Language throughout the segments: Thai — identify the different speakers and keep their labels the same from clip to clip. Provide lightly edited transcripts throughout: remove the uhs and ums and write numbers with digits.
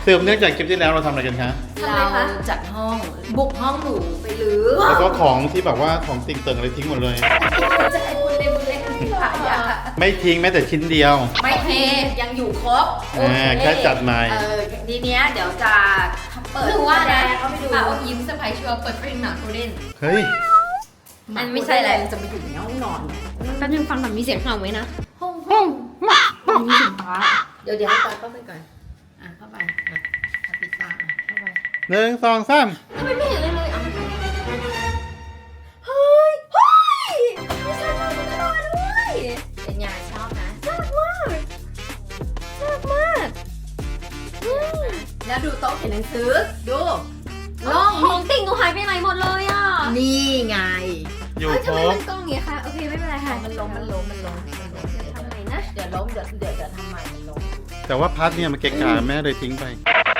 Speaker 1: สืบเนื่องจากคลิปที่แล้วเราทำอะไรกันคะ
Speaker 2: เราจัดห้องบุกห้องหนูไปรื้อ
Speaker 1: แล้วก็ของที่แบบว่าของติ่งเติ่งอะไรทิ้งหมดเลย
Speaker 2: จะให้บุญเล็กหลายอย่าง
Speaker 1: ไม่ทิ้งแม้แต่ชิ้นเดียว
Speaker 2: ไม่เทยังอยู่ครบ
Speaker 1: แค่จัดใหม่
Speaker 2: ทีเนี้ยเดี๋ยวจะเปิด
Speaker 3: หรือว่านะ
Speaker 2: เขาไปดู
Speaker 3: เอายิ้มเซอร์ไพรส์ชัวร์เปิดเพลงหนักกูเล่น
Speaker 1: เฮ้ย
Speaker 3: อันไม่ใช่แหละ
Speaker 2: จะไปอยู่ในห้องนอนเนี่ย
Speaker 3: แป๊บนึงฟังแบบมีเสียงเห่าไหมนะ
Speaker 2: ห้อง
Speaker 3: มีเสียงฟ้า
Speaker 2: เดี๋ยวให้ตาเข้าไปก่อนเข้าไปปิดตาเข้าไป
Speaker 1: 1 2 3
Speaker 3: ทำไมไม่เห็นเลยเลยอ่ะ
Speaker 2: เฮ้ยไม่ใช่ชอบตุ๊กตาด้วยเป็นไงชอบนะ
Speaker 3: น่ารักมากน่ารักมาก
Speaker 2: แล้วดูโต๊ะเขียนหนังสือดู
Speaker 3: ลองของติ่งหนูหายไปไหนหมดเลยอ่ะ
Speaker 2: นี่ไง
Speaker 1: อยู่
Speaker 3: เอ้ย
Speaker 1: ค
Speaker 3: ทำ
Speaker 1: ร
Speaker 3: ไม
Speaker 1: บ
Speaker 3: มันกล้องอย่างเงี้ยคะโอเคไม่เป็นไรค่ะ
Speaker 2: มันล้ม
Speaker 3: ทำไมนะ
Speaker 2: เดี๋ยวล้มเดี๋ยวทำใหม่มันล้ม
Speaker 1: แต่ว่าพัดเนี่ยมันเกะกะแม่เลยทิ้งไป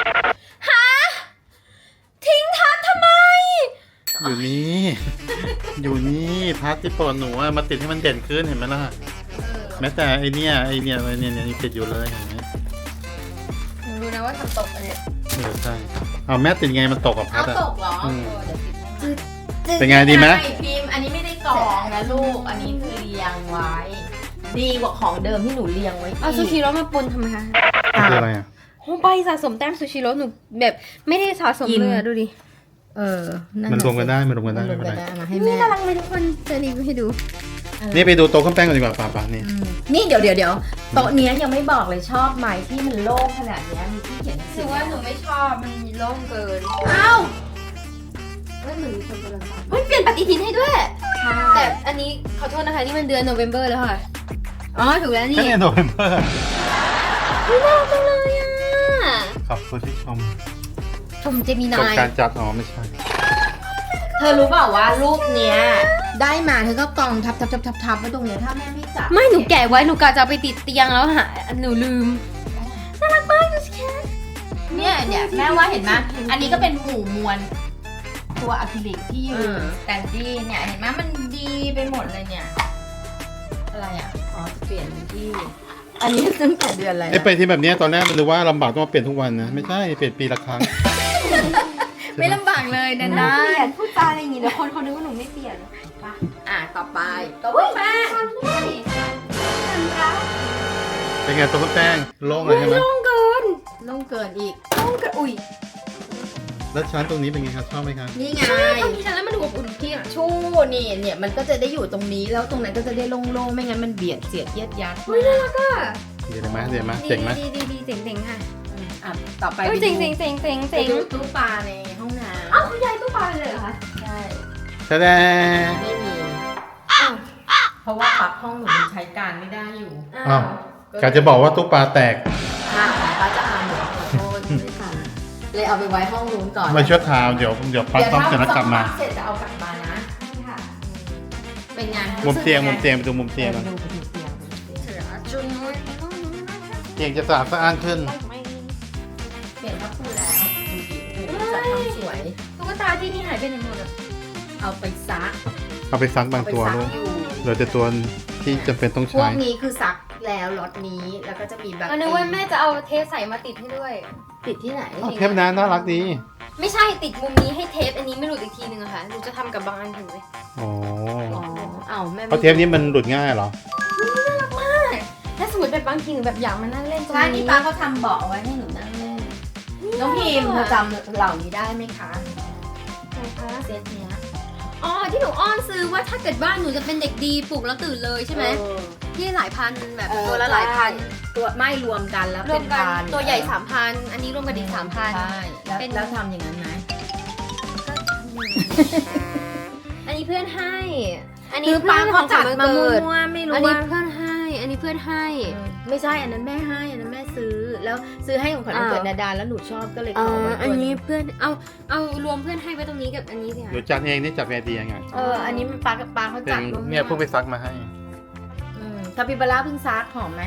Speaker 3: ทิ้งทัดทำไม
Speaker 1: อยู่นี่ อยู่นี่พัดที่โปรดหนูอะมาติดให้มันเด่นขึ้นเห็นไหมล่ะ แม้แต่ไอเนี่ยยังติดอยู่เลยเห็นไหม
Speaker 3: หนูรู้นะว่าทำตกอันเนี้ย
Speaker 1: ใช่เอาแม่ติดไงมันตกกับพั
Speaker 2: เอา
Speaker 1: ดอะ
Speaker 2: ตกเหรอ
Speaker 1: อืม
Speaker 2: เดี๋ยวติดให้
Speaker 1: เป็นไงดีไหม
Speaker 2: ใช่พิมพ์อันนี้ไม่ได้กรองนะลูก อันนี้คือเรียงไว้ ดีกว่าของเดิมที่หนูเรียงไว้
Speaker 3: เอาซูชิโร่มาปนทำไมคะ
Speaker 1: คืออะไรอ่ะ
Speaker 3: โอ้ใบสะสมแต้มซูชิโร่หนูแบบไม่ได้สะสมเลยอะดูดิ
Speaker 1: มันรวมกันได้มันรวมกันได้
Speaker 2: มันร
Speaker 1: ไม่
Speaker 2: วม
Speaker 1: เป็น
Speaker 2: กัน
Speaker 1: ไร
Speaker 2: ได้มาให้
Speaker 3: นี่
Speaker 2: แม่
Speaker 3: น่ารักเลยทุกคนจะรีวิวให้ดู
Speaker 1: นี่ไปดูโต๊ะเครื่องแป้งกันดีกว่าป่านี่
Speaker 2: นี่เดี๋ยวโต๊ะเนี้ยยังไม่บอกเลยชอบไหมที่มันโล่งขนาดเนี้ยมีที่เขียนหนัง
Speaker 3: ห
Speaker 2: สื
Speaker 3: นู
Speaker 2: อ
Speaker 3: ว่าหนูไม่ชอบมันโล่งเกิน
Speaker 2: อ้าว
Speaker 3: เฮ้ยเหมือนมีคนกำลังทำเฮ้ยเปลี่ยนปฏิทินให้ด้วย แต่อันนี้ขอโทษนะคะนี่มันเดือนโนเวม ber แล้วค่ะ อ๋อถูกแล้วนี่
Speaker 1: แค่เนี่ยโนเวมเบอร์
Speaker 3: น่ารักจังเลยอ่ะ
Speaker 1: ขอบคุณที่ชม
Speaker 3: ชมเจมิ
Speaker 1: จบ
Speaker 3: นาย
Speaker 1: การจัดอ๋อไม่ใช่
Speaker 2: เธอรู้เปล่าว่ารูปเนี้ยได้มาเธอก็กองทับไว้ตรงเนี้ยถ้าแม่ไม่จับ
Speaker 3: ไม่หนูแกะไว้หนูกะจะเอาไปติดเตียงแล้วหาหนูลืมน่ารักมากดูสิแค่
Speaker 2: เนี่ยแม่ว่าเห็นไหมอันนี้ก็เป็นหมู่มวลตัวอะคริลิกที่อยู่แต่ดีเนี่ยเห็นไหมมันดีไปหมดเลยเนี่ยอะไรอ่ะอ๋อจะเปลี่ยนที่อันนี้ตั้งแต่เดือนอะไร
Speaker 1: ไอ้ไปที่แบบเนี้ยตอนแรกมันรู้ว่าลำบากต้องมาเปลี่ยนทุกวันนะไม่ใช่เปลี่ยนปีละครั้ง
Speaker 2: ไม่ลำบากเลยนะ
Speaker 3: น่าเปลี่ยนพูดจาอะไรอย่างงี้เดี๋ยวคนเขานึกว่าหนูไม่เปลี่ยน
Speaker 2: ต่อไปตัวแป้ง
Speaker 1: เป็นไงโต๊ะเครื่องแป้งโล่งเลยใช่ไหม
Speaker 3: โล่งเกิน
Speaker 2: ลงเกินอีก
Speaker 3: โล่งเกินอุ้ย
Speaker 1: แล้วชั้นตรงนี้เป็นไงครับชอบไหมครับ
Speaker 2: นี่ไง
Speaker 3: ใช่พอมีฉันแล้วมันดูอบอุ่นพี่อ่ะ
Speaker 2: ชู่นี่เนี่ยมันก็จะได้อยู่ตรงนี้แล้วตรงนั้นก็จะได้โล่งๆไม่งั้นมันเบียดเสียดเยียดยัด
Speaker 3: อุ้ยน่ารักอ่ะ
Speaker 1: เดี๋ยวไหมเจ๋งไหม
Speaker 3: ดีเจ๋งค่ะ
Speaker 2: ต่อไป
Speaker 3: เอ้ยเจ๋งเจ๋ง
Speaker 2: ดูตู้ปลาในห้องน้ำ
Speaker 3: เอ้าคุณยายตู้ปลาไปเลยเหรอคะ
Speaker 2: ใช่
Speaker 1: แสดง
Speaker 2: ไม่มี
Speaker 3: อ้าว
Speaker 2: เพราะว่าปลั๊กห้องหนูมันใช้การไม่ได้อยู่
Speaker 1: อ้าวกาจะบอกว่าตู้ปลาแตก
Speaker 2: ของป้าจะเอาหนูขอโทษไม่ทันเลยเอาไปไว้ห้องนู้นก่อน
Speaker 1: มาช่วยทาวเดี๋ยวปั๊บต้องเสร็จแล้วกลับมา
Speaker 2: เสร็จจะเอากลับมานะ
Speaker 3: ค่ะ
Speaker 2: เป็นไง
Speaker 1: มุมเตียงไปดูมุมเตียง
Speaker 2: เตี
Speaker 1: กั
Speaker 2: ย
Speaker 1: น
Speaker 2: งดูไปดูเตียง
Speaker 3: เสือจุนนุ้ย
Speaker 1: เตียงจะสะอาดสะอ้านขึ้น
Speaker 2: เปลี่ยนผ้าปูแล้วดูดิโอ้โหจัดทำสวย
Speaker 3: ตุ๊กตาที่นี่หายไปไหนหมดอ่ะ
Speaker 2: เอาไปซัก
Speaker 1: เอาไปซักบางตัว
Speaker 2: เอา
Speaker 1: ลู
Speaker 2: ไป
Speaker 1: ก
Speaker 2: ซักอยู่
Speaker 1: เหลือแต่ตัวที่จำเป็นต้อง
Speaker 2: พว
Speaker 1: ใช้
Speaker 2: กนี้คือซักแล้วล็อตนี้แล้วก็จะมีแบบ
Speaker 3: อันนึกว่าแม่จะเอาเทปใส่มาติดให้ด้วย
Speaker 2: ติดที่ไหน
Speaker 1: อ้าวเทปนั้นน่ารักดี
Speaker 3: ไม่ใช่ติดมุมนี้ให้เทปอันนี้ไม่หลุดอีกทีนึงอะค่ะหนูจะทำกับบางอันถึงเลย
Speaker 1: อ๋อ
Speaker 2: อ๋อเอาแม่
Speaker 1: เพราะเทปนี้มันหลุดง่ายเหรอ
Speaker 3: ถ้าสมมติแบบบางทีหนูแบบอยากมานั่งเล่นตรง
Speaker 2: ใช่นี่
Speaker 3: นี้
Speaker 2: ป้าเขาทำเบาะเอาไว้ให้หนูนั่งเล่นน้องพิมพ์เธอจำเหล่านี้ได้ไหมคะเซตเนี้ย
Speaker 3: อ๋อที่หนูอ้อนซื้อว่าถ้าเกิดบ้านหนูจะเป็นเด็กดีปลุกแล้วตื่นเลยใช่ไหม
Speaker 2: เออ
Speaker 3: ที่หลายพันแบบ
Speaker 2: เออ
Speaker 3: ตัวละหลายพัน
Speaker 2: ตัวไม่รวมกันแล้ว
Speaker 3: ร
Speaker 2: เป็
Speaker 3: วม
Speaker 2: น
Speaker 3: กัน
Speaker 2: พัน
Speaker 3: ตัวใหญ่3,000อันนี้รวมกันอีก3,000
Speaker 2: ใช่แล้ว
Speaker 3: เป็น
Speaker 2: แล้วทำอย่างนั้นไหม
Speaker 3: อันนี้เพื่อนให้ อัน
Speaker 2: คื
Speaker 3: นี้
Speaker 2: อ
Speaker 3: เพื่
Speaker 2: ป้า
Speaker 3: อน
Speaker 2: เขาจัด
Speaker 3: ของขวัญ
Speaker 2: มา
Speaker 3: วัน
Speaker 2: มั่
Speaker 3: เกิด
Speaker 2: วๆไม่รู้
Speaker 3: อันนี้
Speaker 2: ว่า
Speaker 3: เพื่อนให้ อันนี้เพื่อนให้
Speaker 2: ไม่ใช่อันนั้นแม่ให้อันนั้นแม่ซื้อแล้วซื้อให้ของขวัญวันเกิดนาดาแล้วหนูชอบก็เลยขอไว้
Speaker 3: อัน
Speaker 2: ตัว
Speaker 3: นี้
Speaker 2: นี้
Speaker 3: เพื่อนเอารวมเพื่อนให้ไว้ตรงนี้กับอันนี้สิ
Speaker 1: ห
Speaker 3: คะ
Speaker 1: นูจัดเองนี่จัดไอเดียไง
Speaker 2: อันนี้มันป้าเขา
Speaker 1: เป็
Speaker 2: จั
Speaker 1: น
Speaker 2: ดร่วม
Speaker 1: เนี่ยเพิ่งไปซักมาให้
Speaker 2: คาปิบาร่าเพิ่งซักหอมไหม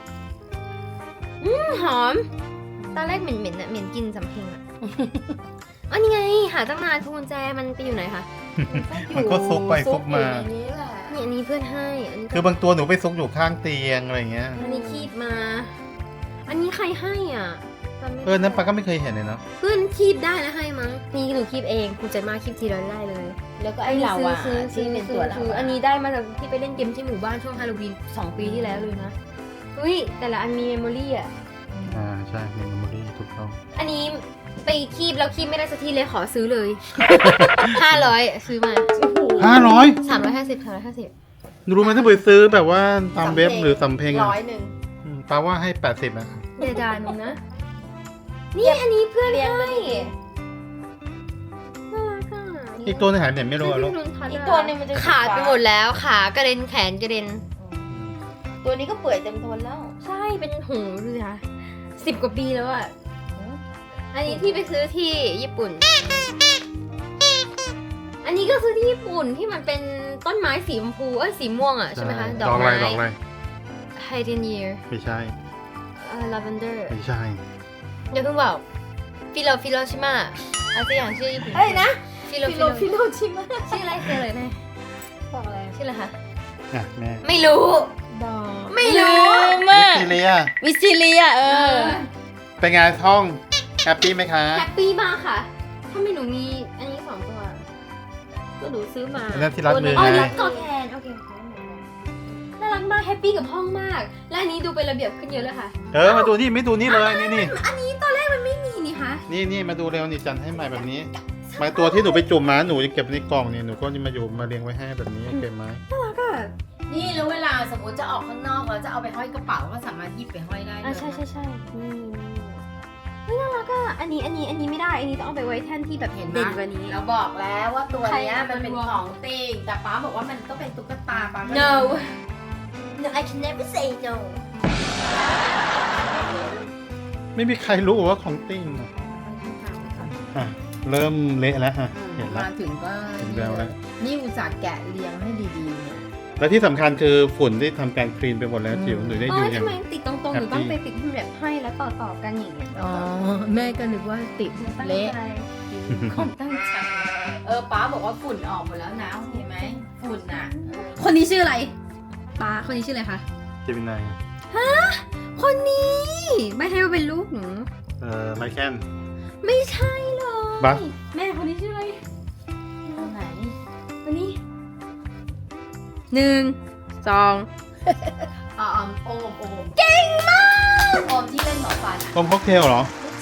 Speaker 3: หอม ตอนแรกเหม็นอะเหม็นกินสำเพ็งอะ อันนี้ไง หาตั้งนานพวงกุญแจมันไปอยู่ไหนคะ
Speaker 1: มันก็ซุกไปซุกมา
Speaker 2: อยู่ในนี้แหละ
Speaker 3: นี่อันนี้เพื่อนให้ อันนี้
Speaker 1: คือบางตัวหนูไปซุกอยู่ข้างเตียงอะไรเงี้ย
Speaker 3: อันนี้คีบมา อันนี้ใครให้อ่ะจจำไม่ได้
Speaker 1: นั้นปาก็ไม่เคยเห็นเลยเนาะ
Speaker 3: เพื่อนคีบได้นะให้มั้งนี่หนูคีบเองภูมิใจมากคีบทีละได้เลย
Speaker 2: แล้วก็ไอ้เราอะ
Speaker 3: ซื้อ
Speaker 2: ที่เป็นตัวเรา
Speaker 3: อันนี้ได้มาจากที่ไปเล่นเกมที่หมู่บ้านช่วงฮาโลวีน2 ปีที่แล้วเลยนะอุ้ยแต่ละอันมีเมมโมรี่อ่ะ
Speaker 1: ใช่เมมโมรี่ถูกต้อง
Speaker 3: อันนี้ไปคีบแล้วคีบไม่ได้สักทีเลยขอซื้อเลย 500ซื้อมา
Speaker 1: 500
Speaker 3: 350
Speaker 1: รู้ไหมถ้าไปซื้อแบบว่าตามเว็บหรือสำเพ็งอะ
Speaker 2: 100
Speaker 1: ปาว่าให้80นะ
Speaker 3: เดี๋ยวด่าหนูนะ นี่อันนี้เพื่อน
Speaker 2: เรียง
Speaker 3: ให้
Speaker 2: ไปดิ
Speaker 3: น่ารักอ่ะ
Speaker 1: อีกตัวนึงหายไปไหนไม่รู้อะลูก
Speaker 2: อีกตัวหนึงมันจะ
Speaker 3: ขาดไปหมดแล้วขากระเด็นแขนกระเด็น
Speaker 2: ตัวนี้ก็เปื่อยเต็มทนแล้ว
Speaker 3: ใช่เป็นหูดูสิคะ10 กว่าปีแล้วอ่ะ อันนี้ที่ไปซื้อที่ญี่ปุ่น อันนี้ก็ซื้อที่ญี่ปุ่นที่มันเป็นต้นไม้สีชมพูสีม่วงอ่ะใช่ไหมคะ
Speaker 1: ดอกอะไรดอกอะไร
Speaker 3: ไฮเดนเยียร์
Speaker 1: ไม่ใช่
Speaker 3: ลาเวนเดอร์
Speaker 1: ไม่ใช่
Speaker 3: เดี๋ยวเพิ่งบอกฟิโลชิมะอะไรอย่างชื่อญี่ปุ่น
Speaker 2: เอ้ยนะ
Speaker 3: ฟิโล
Speaker 2: ฟิโลชิมะ
Speaker 3: ชื่ออะไรเจอเลยแม่
Speaker 2: บอกอะไร
Speaker 3: ชื่ออะไรคะ
Speaker 1: อ่ะแม่
Speaker 3: ไม่รู้
Speaker 2: ดอก
Speaker 3: ไม่รู้
Speaker 1: วิสติเลีย
Speaker 2: วิสซิเลีย
Speaker 1: เป็นไงท่องแฮปปี้ไหมคะ
Speaker 3: แฮปปี้มากค่ะถ้าไม่หนูมีอันนี้2 ตัว ก็หนูซื้อมา
Speaker 1: อันนั้นที่รัดมือ
Speaker 3: อ๋อ
Speaker 1: ไง
Speaker 3: นี่กอดแทนโอเคน่ารักมากแฮปปี้กับห้องมาก และอันนี้ดูเป็นระเบียบขึ้นเยอะเลยค่ะ
Speaker 1: มาดูนี่ไม่ดูนี่เลยนี่
Speaker 3: อันนี้ตอนแรกมันไม่มีนี่คะ
Speaker 1: นี่มาดูเร็วนี่จันให้ใหม่แบบนี้มาตัวที่หนูไปจุ่มมาหนูจะเก็บในกล่องนี่หนูก็จะมาอยู่มาเรียงไว้ให้แบบนี้เก็บไหม
Speaker 3: น่ารักอ่ะ
Speaker 2: นี่แล้วเวลาสมมติจะออกข้างนอกแล้วจะเอาไปห้อยกระเป๋าก็สามารถหยิบไปห้อยได้เลย
Speaker 3: ใช่นี่เฮ้ยน่ารักอ่ะอันนี้ไม่ได้อันนี้ต้องเอาไปไว้แท่นที่แบบ
Speaker 2: เห็นไหม
Speaker 3: เด่นกว่านี้
Speaker 2: เราบอกแล้วว่าตัวเนี้ย
Speaker 3: ใคร
Speaker 2: มันเป็น
Speaker 3: มันรวม
Speaker 2: ของติ่งแต่ป้าบอกว่ามันก็เป็นตุ๊กตาป้าก็
Speaker 3: no
Speaker 2: no I can never say no
Speaker 1: ไม่มีใครรู้ว่าของติ้งอ่ะเริ่มเละแล้วฮะเห็นแล้ว
Speaker 2: มาถึงก็
Speaker 1: ถึงแล้วแล้ว
Speaker 2: นี่อุตส่าห์แกะเรียงให้ดีๆเนี่ย
Speaker 1: และที่สำคัญคือฝุ่นที่ทำการคลีนไปหมดแล้วจิ๋วหนูได้อยู่อย่าง
Speaker 3: ทำไมติดตรงๆหรือต้องไปติดที่แบบให้แล้วต่อกันอย่างเงี้ย
Speaker 2: อ๋อแม่ก็นึกว่าติด
Speaker 3: ตั้ง
Speaker 2: เละ
Speaker 3: ใจ
Speaker 2: คงตั้งใจป้าบอกว่าฝุ่นออกหมดแล้วนะเห็นไหมฝุ่นอ่ะ
Speaker 3: คนนี้ชื่ออะไรป้าคนนี้ชื่ออะไรคะ
Speaker 1: เจมินาย
Speaker 3: คนนี้ไม่ให้ว่าเป็นลูกหนู
Speaker 1: ไมแคน
Speaker 3: ไม่ใช่เลย
Speaker 1: บัส
Speaker 3: แม่คนนี้ชื่ออะไร
Speaker 2: อันไหน
Speaker 3: คนนี้1 2
Speaker 2: โอมเก่งมากโอมที่เล่นหมอฟันอ่ะ
Speaker 1: ต้มค็อกเทลเหรอ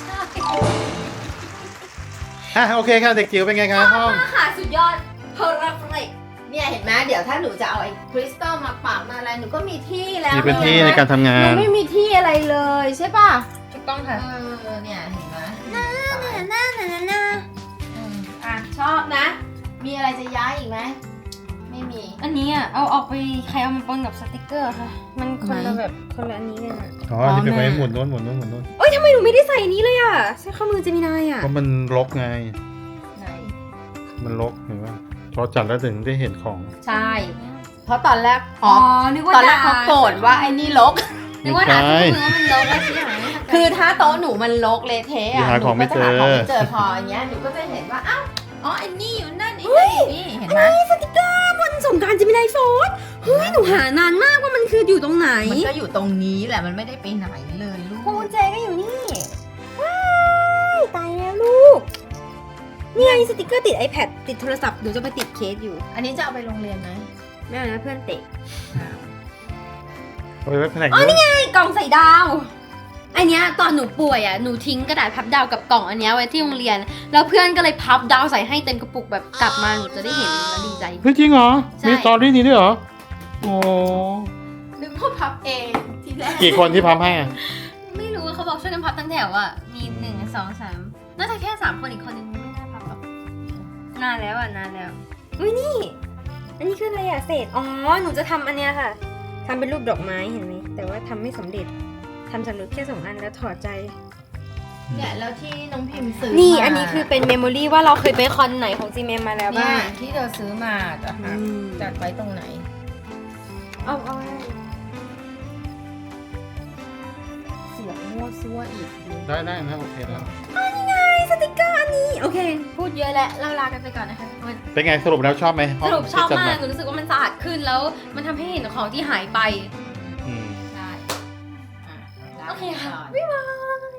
Speaker 2: ใช่
Speaker 1: โอเคค่ะเด็กจิ๋วเป็นไงคะห้อง
Speaker 3: ค่ะสุดยอดเพอร์เฟก
Speaker 2: เนี่ยเห็นไหมเดี๋ยวถ้าหนูจะเอาไอ้คริสตัลมาปักมาอะไรหนูก็มีที่แล้ว
Speaker 1: มีพื้นที่ในการทำงา
Speaker 2: หนู
Speaker 1: น
Speaker 2: ไม่มีที่อะไรเลยใช่ป่ะ
Speaker 3: ถูกต้องค่ะ
Speaker 2: เนี่ยเห็นไหม
Speaker 3: น่า
Speaker 2: อ่ะชอบนะ มีอะไรจะย้ายอีกไหมไม่มี
Speaker 3: อันนี้อ่ะเอาออกไปใครเอามาปนกับสติกเกอร์ค่ะ มันคนละ
Speaker 2: ไหน
Speaker 3: แบบคนละอันนี้กันอ่ะ
Speaker 1: อ๋อที่เป็นไว้หมุนโน้นหมุนโน้นหมุนโน้น
Speaker 3: เอ้ยทำไมหนูไม่ได้ใส่อันนี้เลยอ่ะใช้ข้อมือเจมินายอ่ะ
Speaker 1: เพราะมันรกไง
Speaker 2: ไหน
Speaker 1: มันรกเห็นไหมพอจัดแล้วถึงได้เห็นของ
Speaker 2: ใช่ เพราะตอนแรก
Speaker 3: นึกว่า
Speaker 2: ตอนแรกเขาโกรธว่าไอ้นี่รก
Speaker 3: นึกว่าด่าที่มือว่ามันลบแล้วชี้หาย
Speaker 2: คือถ้าโต๊ะหนูมันรกเละเทะ
Speaker 1: หา
Speaker 2: อ่ะห
Speaker 1: ข
Speaker 2: นู
Speaker 1: องไม่
Speaker 2: ก็จะหา
Speaker 1: เจอ
Speaker 2: ของไม่เจอพออย่างเงี้ยหนูก็จะเห็นว่าอ้าวอ๋อไอ้นี่อยู่นั่นไอ้นี่อยู่นี่เห็นไหม
Speaker 3: สติกเกอร์บนสงกรารเจมินายโฟนเฮ้ยหนูหานานมากว่ามันคืออยู่ตรงไหน
Speaker 2: มันก็อยู่ตรงนี้แหละมันไม่ได้ไปไหนเลยลูก
Speaker 3: พวงกุญแจก็อยู่นี่ว้ายตายแล้วลูกนี่ไงสติกเกอร์ติด iPad ติดโทรศัพท์หนูจะไปติดเคสอยู่
Speaker 2: อันนี้จะเอาไปโรงเรียนไหม
Speaker 3: ไม่เอานะเพื่อนเตะ
Speaker 1: เอาไปไว้แผนก
Speaker 3: อ๋อ
Speaker 1: นู้น
Speaker 3: นี่ไงกล่องใส่ดาว อันเนี้ยตอนหนูป่วยอ่ะหนูทิ้งกระดาษพับดาวกับกล่องอันเนี้ยไว้ที่โรงเรียน แล้วเพื่อนก็เลยพับดาวใส่ให้เต็มกระปุกแบบกลับมาหนูจะได้เห็นแล้วดีใจ
Speaker 1: เฮ้ยจริงเหรอ
Speaker 3: ใช่
Speaker 1: มีสตอรี่นี้ด้วยเหรอ โอ้
Speaker 2: นึกว่าพับเองทีแรก
Speaker 1: กี่คนที่พับให้อ่ะ
Speaker 3: ไม่รู้ว่าเขาบอกช่วยกันพับทั้งแถวอ่ะมี1 2 3น่าจะแค่3 คนอีกคนนึงไม่น่าพับหรอกนานแล้วอ่ะนานแล้วอุ้ยนี่อันนี้คืออะไรอ่ะเศษอ๋อหนูจะทำอันเนี้ยค่ะทำเป็นรูปดอกไม้เห็นไหมแต่ว่าทำไม่สำเร็จทำสำเร็จแค่2 อันแล้วถอดใจ
Speaker 2: เนี่ยแล้วที่น้องพิมพ์ซื้อ
Speaker 3: นี่
Speaker 2: มา
Speaker 3: อันนี้คือเป็นเมมโมรี่ว่าเราเคยไปคอนไหนของ GMM มาแล้ว
Speaker 2: เนี่
Speaker 3: บ้าย ง
Speaker 2: ที่เธอซื้อมาจะหาจัดไว้ตรงไหน
Speaker 3: เอา
Speaker 2: เสียบมั่วซั่วอีกดู
Speaker 1: ได้นะโอเคแล้ว
Speaker 3: นี่ไงสติกเกอร์อันนี้โอเค พูดเยอะแล้วเราลากันไปก่อนนะคะทุกคน
Speaker 1: เป็นไงสรุปแล้วชอบไหม
Speaker 3: สรุปชอบ
Speaker 1: ที่จัด
Speaker 3: มากหนูรู้สึกว่ามันสะอาดขึ้นแล้วมันทำให้เห็นของที่หายไป
Speaker 1: อืม
Speaker 2: ได้อ่ะได้
Speaker 3: โอเคค่ะ
Speaker 2: ก่อน
Speaker 3: บ๊ายบาย